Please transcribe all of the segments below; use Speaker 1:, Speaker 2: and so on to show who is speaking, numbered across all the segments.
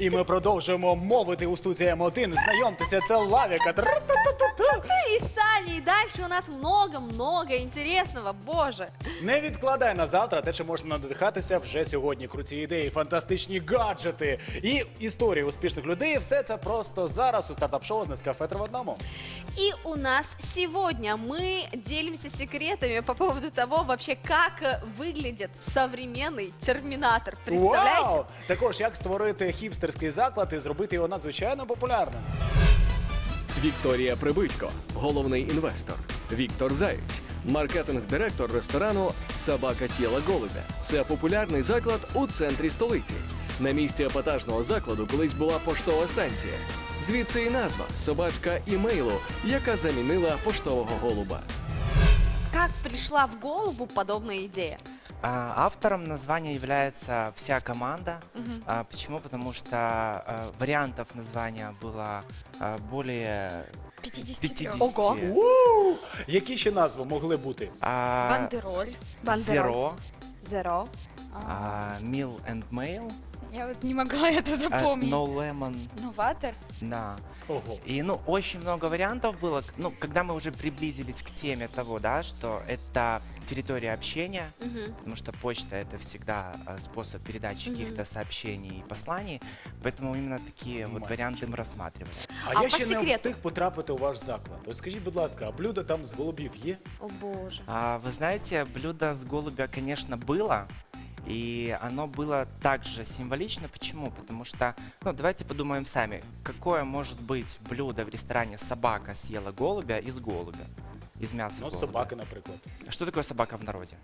Speaker 1: І ми продовжуємо мовити у студії М1. Знайомтеся, це Лавіка.
Speaker 2: И Саня, и дальше у нас много-много интересного, боже.
Speaker 1: Не відкладай на завтра те, чим можна надихатися вже сьогодні. Круті ідеї, фантастичні гаджети і історії успішних людей. Все це просто зараз у стартап-шоу з Нескафе 3 в одному.
Speaker 2: И у нас сегодня мы делимся секретами по поводу того, вообще, как выглядит современный терминатор. Представляете?
Speaker 1: Вау! Також, як створити хіпстерський заклад і зробити його надзвичайно популярним.
Speaker 3: Вікторія Прибитько, головний інвестор. Віктор Заєць, маркетинг-директор ресторану «Собака съела голубя». Це популярний заклад у центрі столиці. На місці епатажного закладу колись була поштова станція. Звідси і назва «Собачка імейлу», яка замінила поштового голуба.
Speaker 2: Как пришла в голову подобная идея?
Speaker 4: Автором названия является вся команда. Почему? Потому что вариантов названия было более 50.
Speaker 2: Ого.
Speaker 1: Ууу! Які ще назви могли бути?
Speaker 5: Бандероль.
Speaker 4: Zero,
Speaker 2: Zero.
Speaker 4: Meal and Mail,
Speaker 5: Я вот не могла это запомнить.
Speaker 4: No Lemon,
Speaker 5: Новатор.
Speaker 4: да.
Speaker 1: Ого.
Speaker 4: И, очень много вариантов было. Когда мы уже приблизились к теме того, да, что это территория общения, потому что почта — это всегда способ передачи каких-то сообщений и посланий, поэтому именно такие вот варианты мы рассматривали.
Speaker 1: А
Speaker 2: А
Speaker 1: я
Speaker 2: по
Speaker 1: ще не
Speaker 2: секрету?
Speaker 1: встиг потрапити у ваш заклад. От скажіть, будь ласка, а блюдо там з голубів є?
Speaker 2: О боже.
Speaker 4: Вы знаете, блюдо с голубя, конечно, было. И оно было также символично. Почему? Потому что, давайте подумаем сами, какое может быть блюдо в ресторане «Собака съела голубя» из голубя, из мяса
Speaker 1: Ну,
Speaker 4: голубя?
Speaker 1: собаки, наприклад.
Speaker 4: Что такое собака в народе?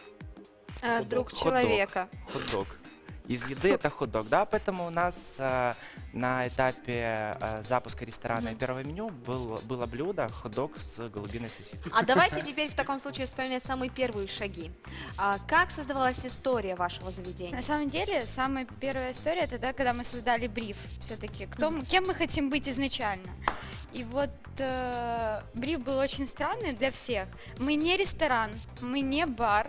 Speaker 2: Друг
Speaker 4: Хот-дог.
Speaker 2: человека.
Speaker 4: Хот-дог. Из еды это хот-дог, да, поэтому у нас на этапе запуска ресторана и первого меню было блюдо хот-дог с голубиной сосиской.
Speaker 2: А давайте теперь в таком случае вспоминать самые первые шаги. Как создавалась история вашего заведения?
Speaker 5: На самом деле, самая первая история это да, когда мы создали бриф. Все-таки, кем мы хотим быть изначально. И вот бриф был очень странный для всех. Мы не ресторан, мы не бар,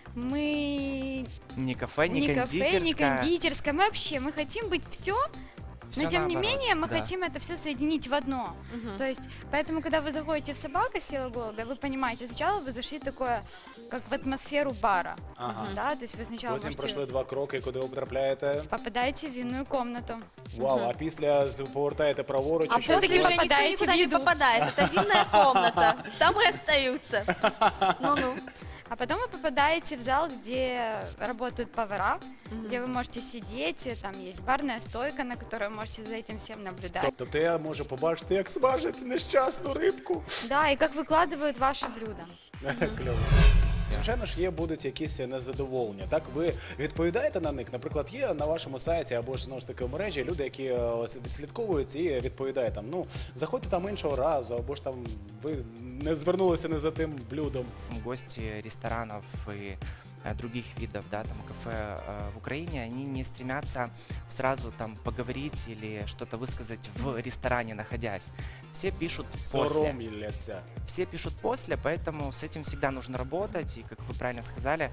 Speaker 5: мы
Speaker 4: Не кафе, не
Speaker 5: кафе,
Speaker 4: кондитерская.
Speaker 5: не кондитерская. Мы вообще, мы хотим быть все,
Speaker 4: Всё
Speaker 5: но тем не
Speaker 4: наоборот,
Speaker 5: менее мы
Speaker 4: да.
Speaker 5: хотим это все соединить в одно. То есть, поэтому, когда вы заходите в «Собака съела голубя», вы понимаете, сначала вы зашли такое, как в атмосферу бара.
Speaker 1: Ага.
Speaker 5: Да, то есть вы сначала
Speaker 1: Потім
Speaker 5: можете
Speaker 1: пройшли 2 кроки, куди ви потрапляєте.
Speaker 5: попадаете в винную комнату.
Speaker 1: Вау, а після повертаєте праворуч
Speaker 2: А
Speaker 1: і що?
Speaker 2: после
Speaker 5: Если
Speaker 2: уже
Speaker 1: робите?
Speaker 2: никто
Speaker 5: попадаете
Speaker 2: никуда
Speaker 5: в
Speaker 2: не
Speaker 5: еду.
Speaker 2: попадает. Это винная комната. Там и остаются. Ну-ну.
Speaker 5: А потом вы попадаете в зал, где работают повара, где вы можете сидеть, там есть барная стойка, на которой вы можете за этим всем наблюдать.
Speaker 1: Тобто я можу побачити, як смажать нещасну рибку.
Speaker 5: Да, и как выкладывают ваше блюдо.
Speaker 1: Кльово. Звичайно ж, будуть якісь незадоволення. Так, ви відповідаєте на них? Наприклад, є на вашому сайті або ж, знову ж таки, в мережі люди, які відслідковують і відповідають там, заходьте там іншого разу, або ж там ви не звернулися не за тим блюдом.
Speaker 4: Гости ресторанов и других видов, да, там кафе в Украине, они не стремятся сразу там поговорить или что-то высказать в ресторане, находясь. Все пишут после.
Speaker 1: Соромляться.
Speaker 4: Все пишут после, поэтому с этим всегда нужно работать. И, как вы правильно сказали,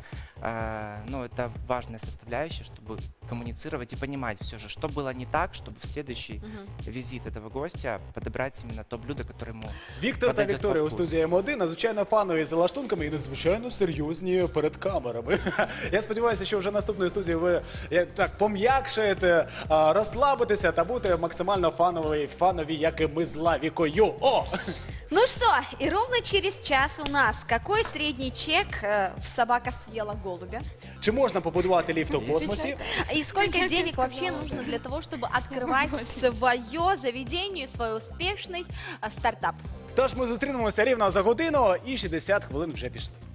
Speaker 4: это важная составляющая, чтобы коммуницировать и понимать все же, что было не так, чтобы в следующий визит этого гостя подобрать именно то блюдо, которое ему
Speaker 1: Віктор та
Speaker 4: подойдет
Speaker 1: Вікторія
Speaker 4: по
Speaker 1: у
Speaker 4: вкусу.
Speaker 1: студії М1, надзвичайно фанові за лаштунками і надзвичайно серйозні перед камерами. Я сподіваюся, що вже наступної студії ви пом'якшаєте, розслабитеся та будете максимально фанові, як і ми з Лавікою. О!
Speaker 2: Ну что, и ровно через час у нас какой средний чек в «Собака съела голубя»?
Speaker 1: Чи можна побудувати ліфт у космосі?
Speaker 2: И сколько денег вообще нужно для того, чтобы открывать свое заведение, свой успешный стартап?
Speaker 1: Тож ми зустрінемося рівно за годину і 60 хвилин вже пішли.